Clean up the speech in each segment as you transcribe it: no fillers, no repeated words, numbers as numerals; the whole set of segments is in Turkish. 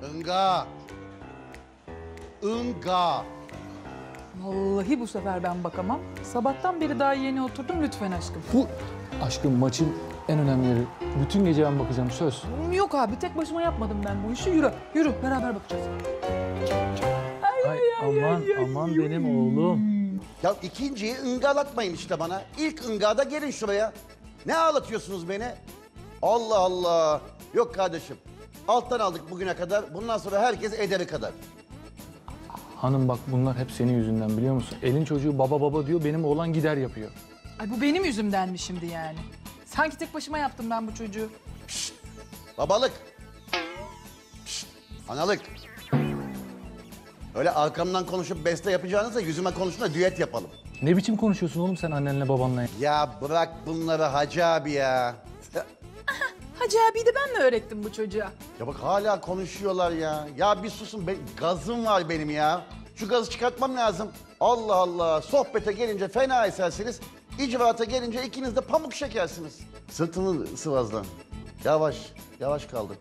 Inga. Inga. Vallahi bu sefer ben bakamam. Sabahtan beri daha yeni oturdum, lütfen aşkım. Bu aşkım maçın en önemli yeri. Bütün gece ben bakacağım, söz. Yok abi, tek başıma yapmadım ben bu işi. Yürü, yürü. Beraber bakacağız. Ay, aman benim oğlum. Ya ikinciyi ıngalatmayın işte bana. İlk ıngada gelin şuraya. Ne ağlatıyorsunuz beni? Allah Allah. Yok kardeşim. Alttan aldık bugüne kadar. Bundan sonra herkes ederi kadar. Hanım bak, bunlar hep senin yüzünden, biliyor musun? Elin çocuğu baba baba diyor, benim oğlan gider yapıyor. Ay bu benim yüzümden mi şimdi yani? Sanki tek başıma yaptım ben bu çocuğu. Babalık. Şşt, analık. Öyle arkamdan konuşup beste yapacağınıza yüzüme konuşun da düet yapalım. Ne biçim konuşuyorsun oğlum sen annenle babanla ya? Ya bırak bunları Hacı abi ya. Hacı abiyi de ben mi öğrettim bu çocuğa? Ya bak hala konuşuyorlar ya. Ya bir susun, gazım var benim ya. Şu gazı çıkartmam lazım. Allah Allah, sohbete gelince fena esersiniz. İcraata gelince ikiniz de pamuk şekersiniz. Sırtını sıvazlan. Yavaş, yavaş kaldır.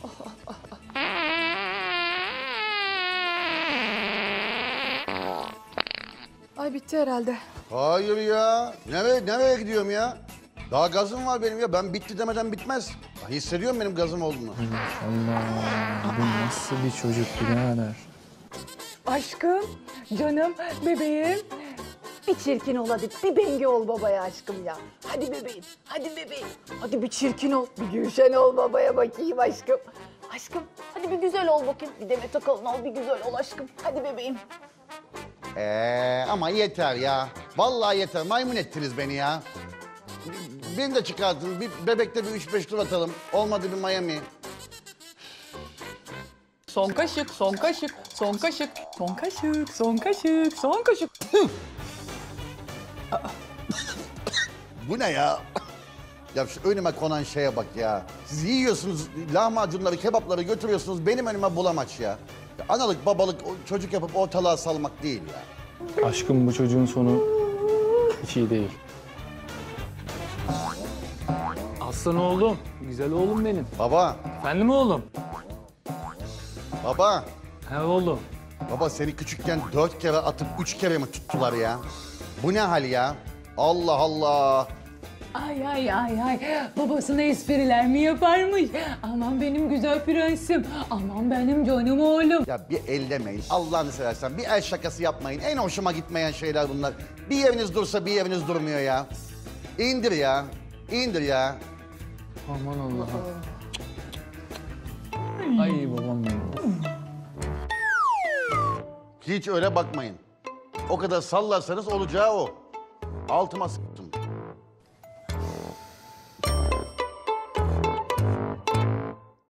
Ay bitti herhalde. Hayır ya. Nereye gidiyorum ya? Daha gazım var benim ya. Ben bitti demeden bitmez. Ya hissediyorum benim gazım olduğunu. Allah, bu nasıl bir çocuk birader? Aşkım, canım, bebeğim. Bir çirkin ol hadi, bir bengi ol babaya aşkım ya. Hadi bebeğim, hadi bebeğim. Hadi bir çirkin ol, bir Gülşen ol babaya bakayım aşkım. Aşkım, hadi bir güzel ol bakayım. Bir Demet Akalın ol, bir güzel ol aşkım. Hadi bebeğim. Ama yeter ya. Vallahi yeter. Maymun ettiniz beni ya. Beni de çıkartın. Bir bebekte bir 3-5 tur atalım. Olmadı bir Miami. Son kaşık, son kaşık, son kaşık, son kaşık, son kaşık, son kaşık. Bu ne ya? Ya şu önüme konan şeye bak ya. Siz yiyorsunuz lahmacunları, kebapları götürüyorsunuz. Benim önüme bulamaç ya. Ya analık, babalık, çocuk yapıp ortalığa salmak değil ya. Aşkım bu çocuğun sonu hiç iyi değil. Aslan oğlum, güzel oğlum benim. Baba, Efendim oğlum? baba. He oğlum. Baba seni küçükken 4 kere atıp 3 kere mi tuttular ya? Bu ne hal ya? Allah Allah. Ay ay ay ay, babasına espriler mi yaparmış? Aman benim güzel prensim, aman benim canım oğlum. Ya bir ellemeyin. Allah'ını seversen bir el şakası yapmayın. En hoşuma gitmeyen şeyler bunlar. Bir yeriniz dursa bir yeriniz durmuyor ya. İndir ya. İndir ya. Aman Allah'ım. Ay babam benim. Hiç öyle bakmayın. O kadar sallarsanız olacağı o. Altıma sıktım.